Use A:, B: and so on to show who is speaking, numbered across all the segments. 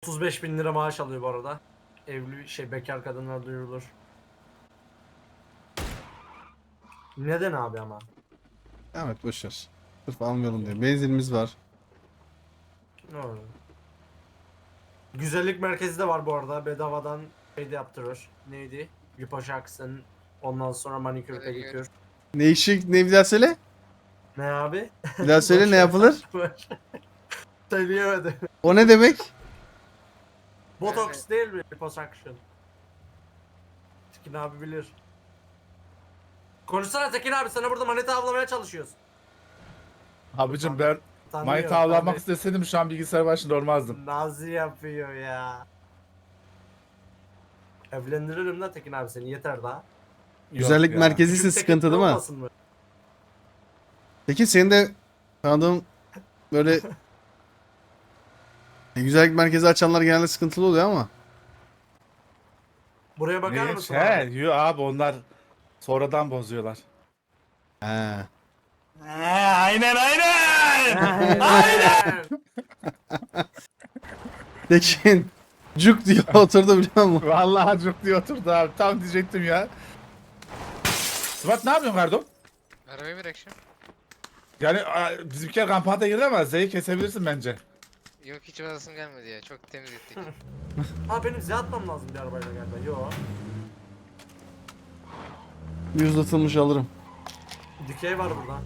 A: 35.000 lira maaş alıyor bu arada. Bekar kadınlar duyurulur. Neden abi ama?
B: Evet boşver. Sırf almayalım diye. Benzinimiz var.
A: Ne olur. Güzellik merkezi de var bu arada. Bedavadan şey de yaptırır. Neydi? Liposuction. Ondan sonra manikür, pedikür.
B: Ne işi ne bir daha söyle?
A: Ne abi?
B: Bir daha söyle
A: Boş
B: ne
A: ver,
B: yapılır?
A: boş ver. Söyleyemedim.
B: O ne demek?
A: Botoks değil mi? Liposuction. Tekin abi bilir. Konuşsana Tekin abi, sana burada manita avlamaya çalışıyoruz.
C: Abicim ben
A: Tanıyor,
C: manita avlamak
A: tanıyor.
C: isteseydim şu an bilgisayar başında olmazdım.
A: Nazi yapıyor ya. Evlendiririm lan Tekin abi seni, yeter daha.
B: Güzellik
C: ya.
B: merkezisi
A: Küçük Tekin
B: sıkıntı değil mi?
A: olmasın mı?
B: Peki senin de tanıdığın böyle güzellik merkezi açanlar genelde sıkıntılı oluyor ama.
A: Buraya bakar
C: Ne?
A: mısın
C: He,
A: abi?
C: yo abi onlar sonradan bozuyorlar.
B: He.
C: Aynen.
A: Aynen.
B: Tekin cuk diye oturdu biliyor musun?
C: Vallahi çok diye oturdu abi. Tam diyecektim ya. Sıvat ne yapıyorsun Kardo?
D: Arabayı bırak şimdi.
C: Yani bizimkiler kampanya girdi ama Z'yi kesebilirsin bence.
D: Yok hiç odasım gelmedi ya. Çok temiz ettik.
A: Abi benim Z atmam lazım bir arabayla galiba. Yo.
B: Bir uzatılmış alırım.
A: Dikey var burada.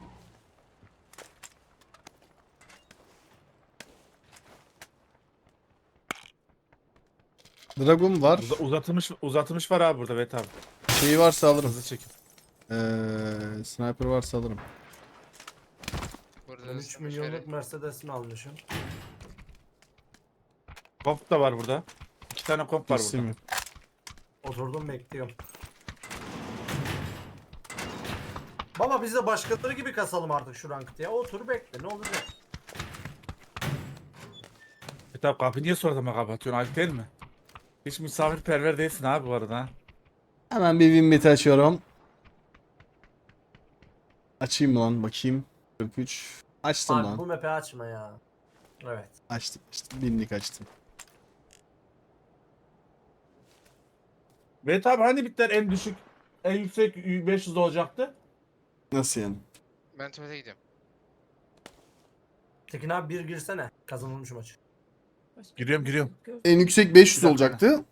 B: Dragon var.
C: Uzatılmış var abi burada Vet abi.
B: Şeyi varsa alırım.
C: Hızlı çekim.
B: Sniper varsa alırım.
D: Burada
A: Ben 3
D: ısınmış
A: milyonluk
D: verin.
A: Mercedes'imi almışım.
C: Komp da var burada. 2 tane komp var
B: İsim
C: burada.
B: yok.
A: Oturdum bekliyorum. Baba biz de başkaları gibi kasalım artık şu ranked ya. Otur bekle, ne olacak?
C: Vet abi kapıyı niye sonradan kapatıyorsun? Ayıp değil mi? Hiç misafirperver değilsin abi bu arada ha.
B: Hemen bir Winbet açıyorum. Açayım mı lan bakayım. 43. Açtım
A: Abi
B: lan.
A: bu map'i açma ya. Evet.
B: Açtım. Binlik açtım.
C: Vet abi hani bitler en düşük, en yüksek 500 olacaktı?
B: Nasıl yani?
D: Ben tuvalete gidiyorum.
A: Tekin abi bir girsene. Kazanılmış maç.
C: Giriyorum.
B: En yüksek 500
C: Bir dakika.
B: olacaktı.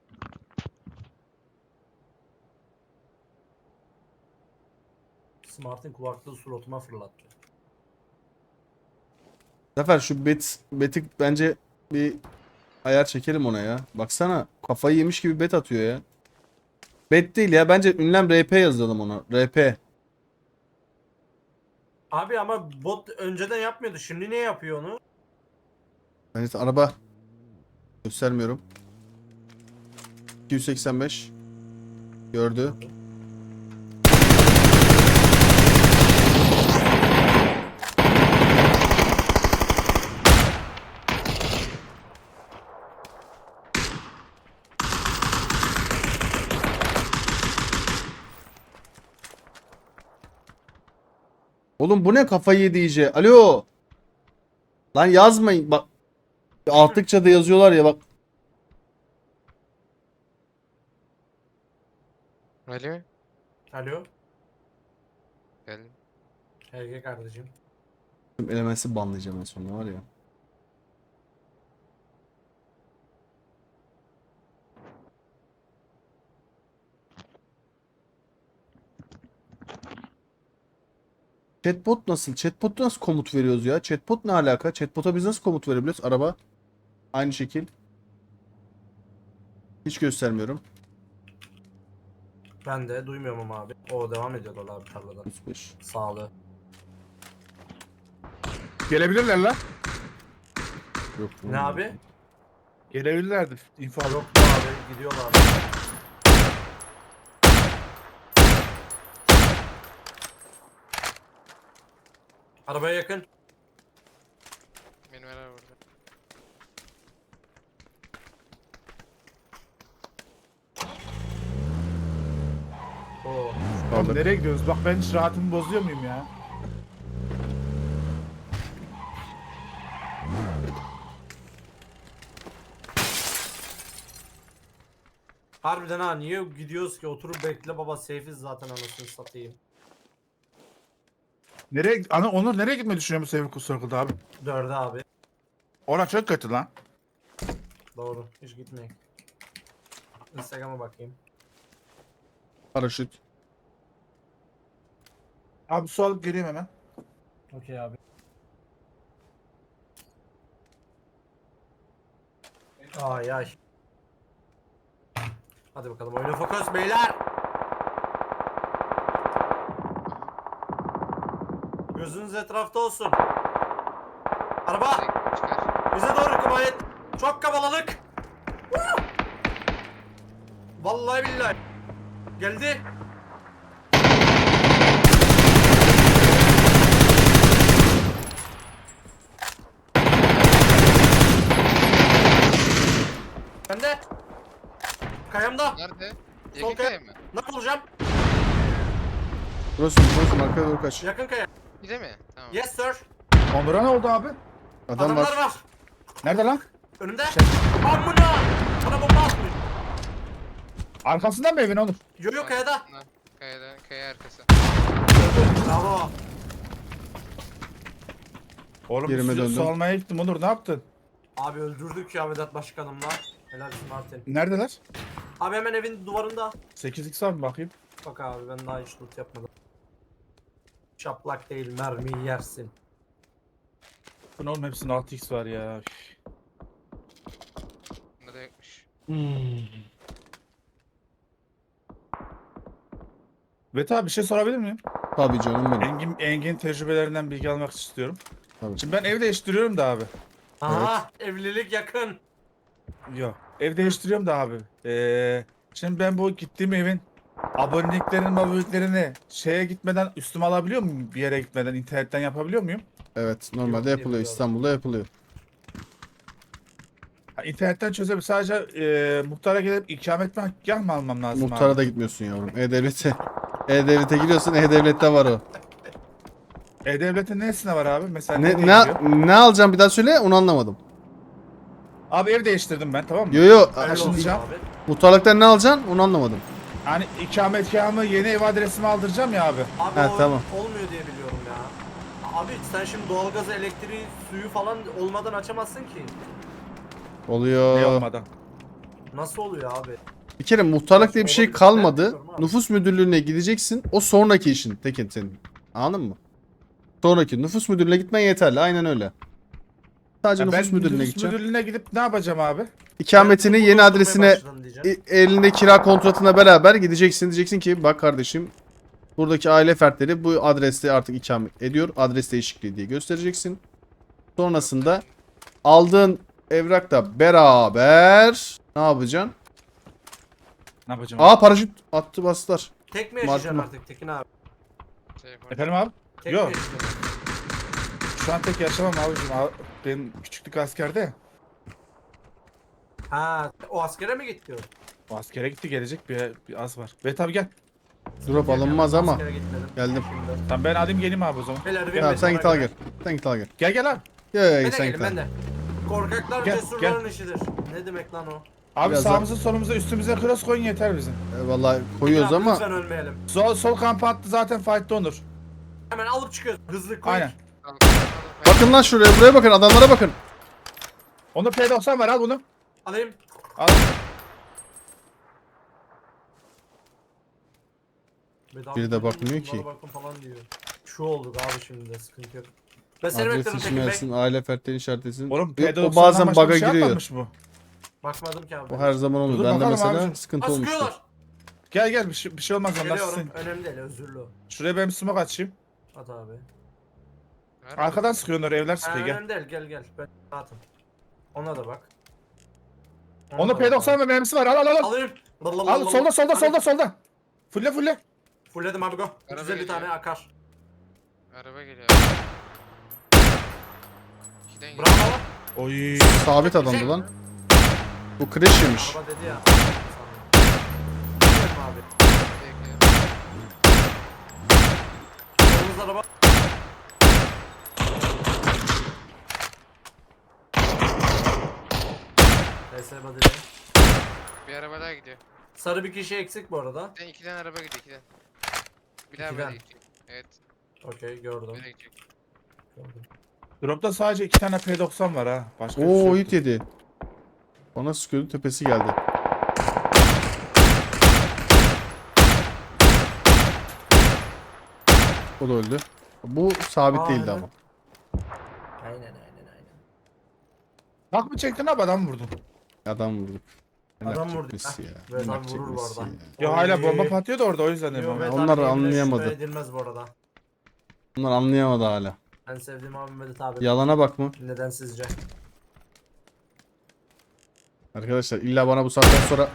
A: Smart'ın kulaklığı suratıma fırlattı.
B: Zafer şu beti bence bir ayar çekelim ona ya. Baksana kafayı yemiş gibi bet atıyor ya. Bet değil ya, bence ünlem RP yazalım ona. RP.
A: Abi ama bot önceden yapmıyordu. Şimdi niye yapıyor onu?
B: Bence araba göstermiyorum. 285 gördü. Oğlum bu ne, kafayı yedi iyice. Alo. Lan yazmayın bak. Altıkça da yazıyorlar ya bak.
D: Alo.
A: Alo.
D: Geldim.
A: Erkek kardeşim.
B: Elementsi banlayacağım en sonunda var ya. Chatbot nasıl? Chatbot'a nasıl komut veriyoruz ya? Chatbot ne alaka? Chatbot'a biz nasıl komut verebiliyoruz? Araba. Aynı şekil. Hiç göstermiyorum.
A: Ben de duymuyorum ama abi. O devam ediyorlar abi tarlada.
B: 35.
A: Sağlığı.
C: Gelebilirler lan.
B: Yok.
A: Ne abi?
C: Gelebilirlerdi. İnfo
A: Yok be abi, gidiyorlar abi. Arabaya yakın.
D: Benim araba burada.
A: Oo.
C: Oğlum nereye gidiyoruz? Bak ben hiç rahatımı bozuyor muyum ya?
A: Harbiden ha niye gidiyoruz ki? Oturup bekle baba, safe'iz zaten anasını satayım.
C: Nereye, Onur nereye gitmeyi düşünüyor bu Sevgi Circle'da abi?
A: 4'e abi.
C: Ora çok kötü lan.
A: Doğru. Hiç gitmeyin. Instagram'a bakayım.
B: Paraşüt.
C: Abi su alıp geleyim hemen.
A: Okey abi. Ay ay. Hadi bakalım oyuna fokus beyler. Gözünüz etrafta olsun. Araba
D: Çıkar.
A: bize doğru kıvayet. Çok kalabalık. Vallahi billahi. Geldi. Bende. Kayamda.
D: Nerede?
A: Sol
D: Yakın kaya mı?
A: Nak olacağım.
B: Burası arkaya doğru kaç.
A: Yakın kaya.
D: Bir de mi? Tamam.
A: Yes sir.
C: Onur'a ne oldu abi?
B: Adam
A: Adamlar
B: var.
A: var.
C: Nerede lan?
A: Önümde. Amına. Bana bomba atmış.
C: Arkasından mı evin Onur?
A: Yo yo kayada.
D: Arkasından, Kayadan, kaya arkası.
A: Bravo.
C: Oğlum
B: Yerime
C: su
B: döndüm.
C: almaya gittim Onur, ne yaptın?
A: Abi öldürdük ya Vedat Başkanımla. Helalsin Martin.
C: Neredeler?
A: Abi hemen evin duvarında.
C: 8x abi bakayım.
A: Bak abi ben daha hiç loot yapmadım. Şaplak değil mermiyi yersin.
C: Bu ne oğlum, hepsinin 6x var ya.
D: Bunda da yokmuş.
C: Veta abi bir şey sorabilir miyim?
B: Tabii canım benim.
C: Engin tecrübelerinden bilgi almak istiyorum.
B: Tabii.
C: Şimdi ben ev değiştiriyorum da abi.
A: Aha evlilik yakın.
C: Yok. Ev değiştiriyorum da abi. Şimdi ben bu gittiğim evin aboneliklerini şeye gitmeden üstüme alabiliyor muyum? Bir yere gitmeden internetten yapabiliyor muyum?
B: Evet, normalde
A: Yok diye
B: yapılıyor.
A: biliyorum.
B: İstanbul'da yapılıyor.
C: Ha, internetten çözebilirim. Sadece muhtara gelip ikametgah mı almam lazım
B: Muhtara
C: abi?
B: da gitmiyorsun yavrum. E-Devlet'e. E-Devlet'e giriyorsun. E-Devlet'te var o.
C: E-Devlet'in nesine var abi? Mesela
B: Ne,
C: nereye gidiyor?
B: ne alacağım bir daha söyle, onu anlamadım.
C: Abi ev değiştirdim ben, tamam mı?
B: Yo yo.
A: Helal olsun
C: Taşınacağım.
A: abi.
B: Muhtarlıktan ne alacaksın, onu anlamadım.
C: Hani ikametgahımı, yeni ev adresimi aldıracağım ya abi.
A: Abi
B: Ha,
A: o
B: tamam.
A: olmuyor diye biliyorum ya. Abi sen şimdi doğalgazı, elektriği, suyu falan olmadan açamazsın ki.
C: Ne
B: Oluyor.
C: olmadan.
A: Nasıl oluyor abi?
B: Bir kere muhtarlık diye bir şey
A: Olabilir. Ben
B: kalmadı.
A: bilmiyorum abi.
B: Nüfus müdürlüğüne gideceksin. O sonraki işin Tekin senin. Anladın mı? Sonraki nüfus müdürlüğüne gitmen yeterli. Aynen öyle. Sadece
C: Ya ben
B: nüfus müdürlüğüne
C: nüfus
B: gideceksin.
C: müdürlüğüne gidip ne yapacağım abi?
B: İkametini
A: Ben
B: yeni
A: bunu
B: adresine
A: oturmaya başladım diyeceğim.
B: elinde kira kontratına beraber gideceksin. Diyeceksin ki bak kardeşim, buradaki aile fertleri bu adreste artık ikamet ediyor. Adres değişikliği diye göstereceksin. Sonrasında aldığın evrakla beraber ne yapacaksın?
C: Ne yapacağım?
B: Aa, paraşüt attı, bastılar.
A: Tek mi yaşayacaksın
B: Martma.
A: artık Tekin abi?
D: Şey yapalım.
C: Efendim abi?
A: Tek
C: Yok.
A: mi yaşayacaksın?
C: Şu an tek yaşamam abicim. Benim küçüklük askerde ya.
A: Ha o askere mi gitti o?
C: O askere gitti, gelecek bir az var. Ve tabi gel.
B: Drop alınmaz ama.
A: Askere gitmedim.
B: Geldim.
A: Şimdi.
C: Tamam ben alayım geleyim abi o zaman.
A: Beyler,
B: Tamam, sen git al gel. Sen git al gel.
C: Gel gel abi.
B: Gel gel
A: Ben
B: gel
A: de
B: sen
A: gelin
B: git al.
A: ben de. Korkaklar
C: Gel,
A: cesurların işidir. Ne demek lan o?
C: Abi
B: Biraz
C: sağımıza solumuza üstümüze cross koyun yeter bizim.
B: Vallahi koyuyoruz
A: Tekin abi,
B: ama
A: Lütfen ölmeyelim.
C: Sol kamp attı zaten fight'ta Onur.
A: Hemen alıp çıkıyoruz. Hızlı koy.
C: Aynen.
B: bakın lan şuraya, buraya bakın, adamlara bakın.
C: Onur P90 var, al bunu.
A: Alayım.
C: Al.
A: Bedava
B: Biri de
A: koyun,
B: bakmıyor
A: bunlara
B: ki.
A: Bakın falan diyor. Şu olduk abi şimdi de sıkıntı yok. Ben seni
B: Adres
A: bekledim Tekin Bey.
B: işimersin, aile fertlerini işaretlesin.
C: Oğlum
B: O
C: P90'dan
B: bazen
C: başka
B: bug'a
C: bir şey
B: giriyor.
C: atmamış bu.
A: Bakmadım ki abi.
B: O her zaman oluyor.
C: Dur
B: Bende
C: bakalım
B: mesela
C: abicim.
B: sıkıntı
A: Ha,
B: olmuştu.
A: sıkıyorlar.
C: Gel gel bir şey olmaz onlar
A: Geliyorum.
C: sizin.
A: Önemli değil özürlü.
C: Şuraya ben bir smoke açayım.
A: At abi.
C: Arkadan sıkıyorlar, evler
A: Ha,
C: sıkıyor gel.
A: önemli değil gel. Ben atım. Ona da bak. Ona
C: Onur
A: da bak
C: P90
A: abi.
C: ve mermisi var, al.
A: Alayım.
C: Al solda. Fulle.
A: Fulledim abi go.
D: Araba
A: 350
D: geliyor.
A: tane akar.
D: Araba geliyor. İkiden geliyor.
A: Bravo.
C: Oy.
B: Sabit adamdı lan. Bu crash yemiş.
A: Araba dedi ya. Fulledim abi.
D: Bekle.
A: Solumuz araba. PS badili.
D: Bir araba daha gidiyor.
A: Sarı bir kişi eksik bu arada.
D: İki tane araba gidiyor, iki tane. Bir daha
A: İkiden.
D: böyle gidecek. Evet,
A: Okey gördüm.
D: böyle gidecek.
A: gördüm.
C: Drop'ta sadece 2 tane P90 var ha. Başka bir şey
B: Oo
C: yok.
B: hit yedi. Bana sıkıyordu tepesi geldi. O da öldü. Bu sabit
A: Aa,
B: değildi
A: helal.
B: ama.
A: Aynen.
C: Bak mı çektin abi adam vurdun.
B: Adam vurduk. Ne
A: Adam
B: yapacak
A: vurdu
B: Messi
A: ya.
B: ya?
A: Ve
B: Ne
A: adam
B: yapacak
A: vurur bu
B: Messi
A: arada.
B: ya?
C: Ya hala
A: Oy.
C: bomba patlıyordu orada o yüzden dedim
A: Yo,
C: ama.
A: Vedat
B: Onlar
A: abi yeminle
B: anlayamadı.
A: şüphe edilmez bu arada.
B: Bunlar anlayamadı hala.
A: Ben sevdiğim abim Vedat abi.
B: Yalana bak mı?
A: Neden sizce?
B: Arkadaşlar illa bana bu saatten sonra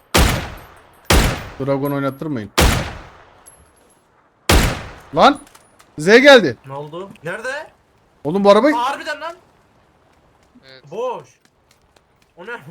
B: Dragon oynattırmayın. Lan! Z geldi.
A: Ne oldu? Nerede?
B: Oğlum bu araba...
A: Aa, harbiden lan.
D: Evet,
A: Boş. O ne?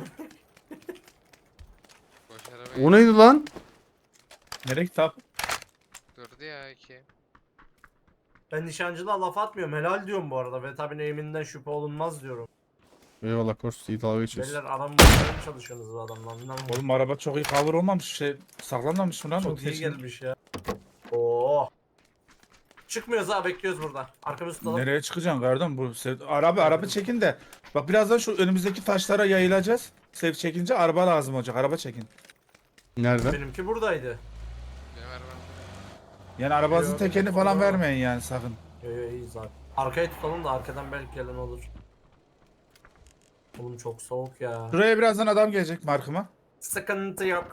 D: boş araba
B: O neydi lan?
C: Nereye gitti abi?
D: durdu ya iki.
A: Ben nişancılığa laf atmıyorum. Helal diyorum bu arada. Ve tabi eğiminden şüphe olunmaz diyorum.
B: Eyvallah Kors iyi dalga geçiyorsun.
A: Beyler aramaya çalışıyorsunuz bu adamla. Anlamadım.
C: Oğlum araba çok iyi cover olmamış. Şey saklanmamış mı lan?
A: Çok
C: O
A: iyi
C: kesin-
A: gelmiş ya. Oo. Çıkmıyoruz ha, bekliyoruz burada. Arkamızı tutalım.
C: Nereye çıkacaksın kardeşim? Bu araba çekin de. Bak birazdan şu önümüzdeki taşlara yayılacağız. Sev çekince araba lazım olacak. Araba çekin.
B: Nerede?
A: Benimki buradaydı.
D: Benim arabam.
C: Yani arabanızın
A: Yok,
C: tekerini falan
A: yok.
C: vermeyin yani sakın.
A: Yo iyi zaten. Arkayı tutalım da arkadan belki gelen olur. Oğlum çok soğuk ya.
C: Şuraya birazdan adam gelecek markıma.
A: Sıkıntı yok.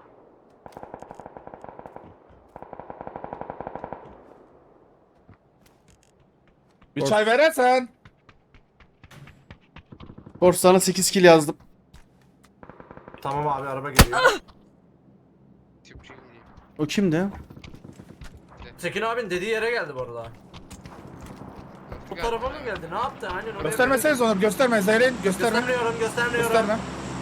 C: Bir
B: Of.
C: çay verirsen.
B: Kors sana 8 kill yazdım.
A: Tamam abi, araba geliyor.
D: Tüpçü gidiyor.
B: O kimdi?
A: Tekin abin dediği yere geldi bu arada. Bu tarafa mı geldi? Ne yaptı? Aynen oraya.
C: Göstermeseniz onu. Gösterme. Zeyrin gösterme.
A: Göstermiyorum.
C: Gösterme.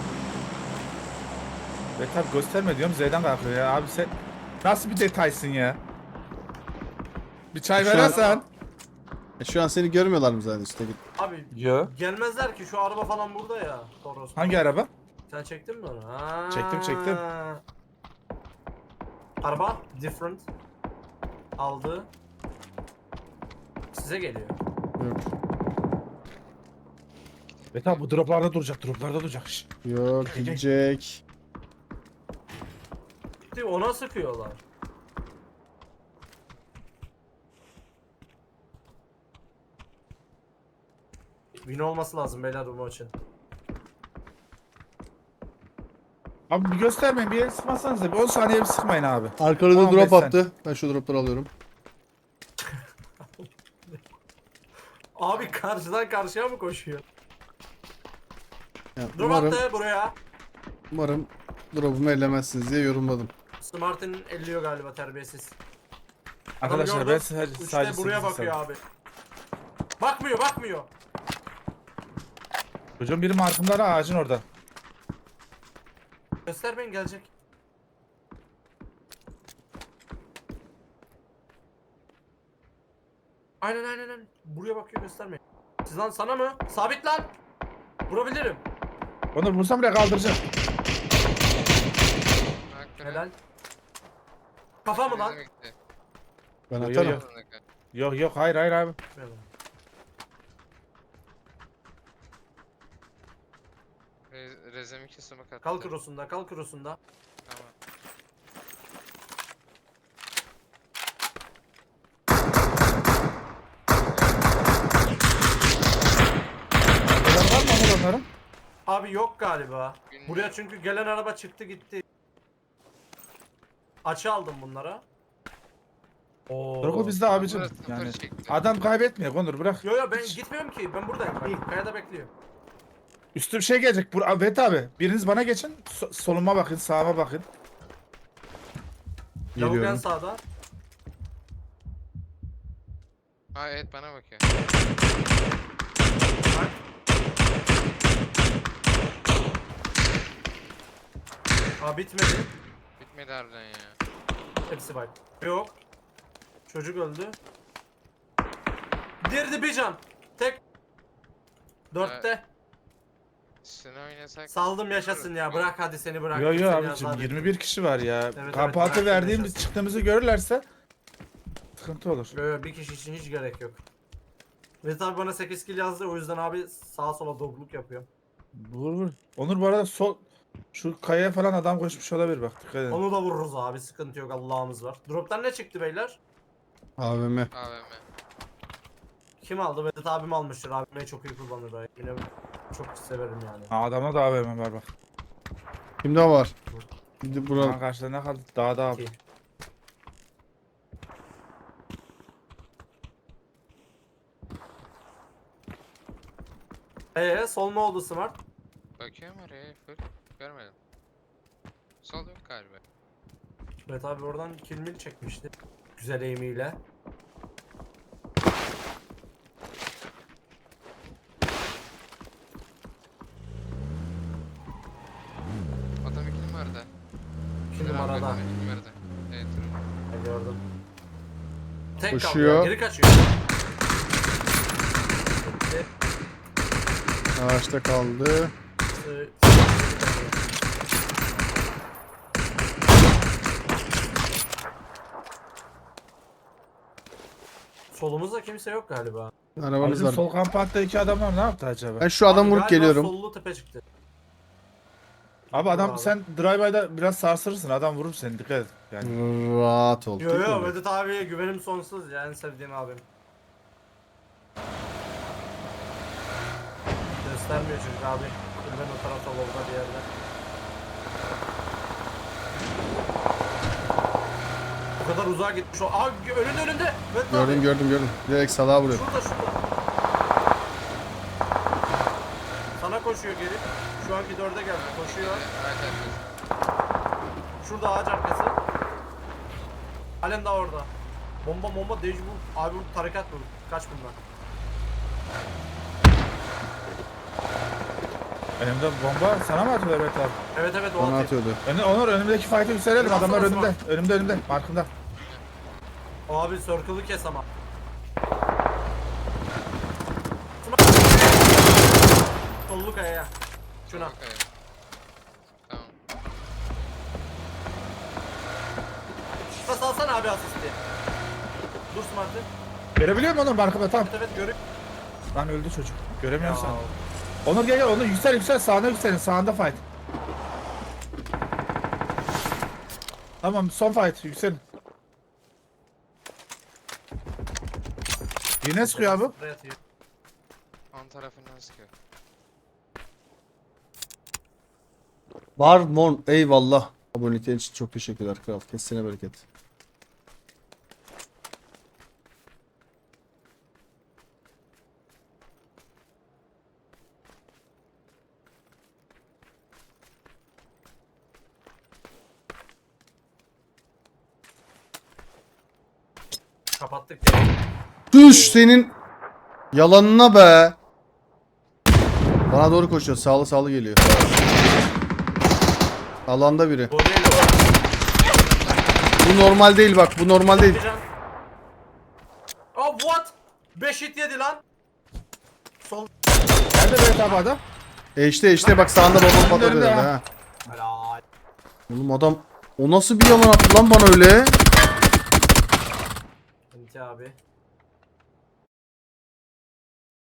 C: Ve tabi gösterme diyorum Z'den kalkıyor ya. Abi sen nasıl bir detaysın ya? Bir çay
B: Şu an-
C: verirsen.
B: Şu an seni görmüyorlar mı zaten işte?
A: Abi
C: Yo.
A: gelmezler ki, şu araba falan burada ya. Toros.
C: Hangi araba?
A: Sen çektin mi onu? Ha.
C: Çektim.
A: Araba different. Aldı. Size geliyor.
B: Yok.
C: Ve tabi bu droplarda duracak. Şş.
B: Yok gidecek.
A: Ona sıkıyorlar. Win olması lazım beyler bu maçın.
C: Abi bir göstermeyin, bir yere sıkmazsanız da bir 10 saniye bir sıkmayın abi.
B: Arkanızda
C: 15
B: drop
C: sen.
B: attı. Ben şu dropları alıyorum.
A: Abi karşıdan karşıya mı koşuyor?
B: Ya,
A: Dur
B: umarım,
A: attı buraya.
B: umarım drop'umu ellemezsiniz diye yorumladım.
A: Smart'ın elliyor galiba, terbiyesiz.
C: Arkadaşlar
A: gördüm.
C: ben sadece
A: Üçte buraya
C: sekiz
A: bakıyor
C: istedim.
A: abi. Bakmıyor.
C: Çocuğun biri markımda da ağacın orada.
A: Göstermeyin, gelecek. Aynen. Buraya bakıyor, göstermeyin. Siz lan, sana mı? Sabit lan. Vurabilirim.
C: Onu vursam bile kaldıracağım.
A: Helal. Kafa mı lan?
B: Ben
C: Yo, yo,
B: atarım.
C: yo. Yok hayır abi.
D: Rezem 2 smoke attı.
A: Kal krosunda.
D: Tamam.
C: Neden var mı Onur onların?
A: Abi yok galiba.
D: Bilmiyorum.
A: Buraya çünkü gelen araba çıktı gitti. Açı aldım bunlara. Oo.
C: Bırak o bizde abicim.
D: Burası sıfır
C: Yani
D: çekti.
C: adam kaybetmiyor Onur bırak.
A: Yo ben gitmiyorum ki. Ben buradayım. Bak, kayada bekliyorum.
C: Üstü bir şey gelecek. Evet abi. Biriniz bana geçin. Soluma bakın, sağıma bakın.
A: Lavuk en
B: Geliyorum.
A: sağda.
D: Ha evet, bana bakıyor.
A: Bak. Aa bitmedi.
D: Bitmedi harbiden ya.
A: Hepsi bak. Yok. Çocuk öldü. Dirdi bir can. Tek. 4'te.
D: Üstüne oynasak.
A: Saldım yaşasın ya. Bırak hadi seni bırak.
C: Yo yo
A: Seni
C: abicim
A: azat
C: 21 kişi var ya.
A: evet,
C: Kamp
A: bırak
C: altı verdiğimiz
A: yaşasın.
C: çıktığımızı görürlerse sıkıntı olur.
A: Yo, yo, bir kişi için hiç gerek yok. Vedat abi bana 8 kill yazdı, o yüzden abi sağa sola dobluk yapıyor.
C: Vur vur. Onur bu arada şu kayaya falan adam koşmuş olabilir bak dikkat edin.
A: Onu da vururuz abi, sıkıntı yok, Allah'ımız var. Drop'tan ne çıktı beyler?
B: AVM.
D: AVM.
A: Kim aldı? Vedat abim almıştır. AVM'yi çok iyi kullanır o. Yine çok severim yani.
C: Ha, adamda da AVM var bak.
B: Kimde var? Şimdi
C: Aha,
B: bura
C: karşıda ne kaldı? Dağda abi.
A: İki. Sol mu oldu Smart?
D: Bakıyorum oraya full. Görmedim. Sol yok galiba.
A: Vedat abi oradan kill mill çekmişti. Güzel aim'iyle.
D: Adam 2 numarada.
A: 2
D: Dur abi,
A: numarada.
D: adam 2 numarada. Evet dur.
A: Ben gördüm. Tek
B: Koşuyor.
A: kaldı ya, geri kaçıyor. Gitti.
B: ağaçta kaldı.
A: Sı- Solumuzda kimse yok galiba.
B: Arabanız
C: Bizim
B: var.
C: sol kamp altta iki adam var ne yaptı acaba?
B: Ben şu adamı
A: Abi
B: vurup
A: galiba
B: geliyorum.
A: Sollu tepe çıktı.
C: Abi adam
A: Abi.
C: sen drive-by'da biraz sarsırırsın adam vurur seni dikkat et. Yani.
B: Rahat ol.
A: Yo
B: Tek
A: yo,
B: mi?
A: Vedat abiye güvenim sonsuz ya, en sevdiğim abim. Göstermiyor çocuk abi. Ben o tarafta Volga bir yerde. Bu kadar uzağa gitmiş o. Aa önünde. Vedat abi.
B: Gördüm. Direkt salağa vuruyor.
A: Şurada. Sana koşuyor geri. Şu anki 4'e geldi. Koşuyor.
D: Evet evet.
A: Şurada ağaç arkası. Halen daha orada. Bomba deji bu. Abi bu tarikat bu. Kaç bundan?
C: Önümde bomba sana mı atıyorlar Berat abi?
A: Evet o
B: Bana
A: atıyor.
B: atıyordu.
C: Onur önümdeki fight'ı yükselelim
A: Biraz
C: adamlar
A: sonra
C: önümde. Önümde markında.
A: O abi circle'ı kes ama. Sollu kayaya. Şuna.
D: Okay. Tamam.
A: Bas alsana abi asisti. Dur Smart'ı.
C: Görebiliyor musun Onur markında tam?
A: Evet görüyor.
C: Lan öldü çocuk. Göremiyorum sen. Onur gel Onur yüksel sağına yükselin sağında fight. Tamam son fight yükselin. Yine sıkıyor abi.
A: Buraya atıyor.
D: On tarafından sıkıyor.
B: Var mon. Eyvallah. Aboneliklerin için çok teşekkürler kral. Kesene bereket.
A: Kapattık ya.
B: Düş senin yalanına be. Bana doğru koşuyor. Sağlı geliyor. Alanda biri.
A: Bu değil o.
B: Bu normal değil bak. Bu normal değil.
A: Oh what? 5 hit yedi lan. Sol.
C: Nerede Berat abi adam?
B: İşte bak sağında babam patladı
C: Önünde
B: herhalde
C: ha.
B: ha.
A: Helal.
B: Oğlum adam o nasıl bir yalan attı lan bana öyle?
A: Enti abi.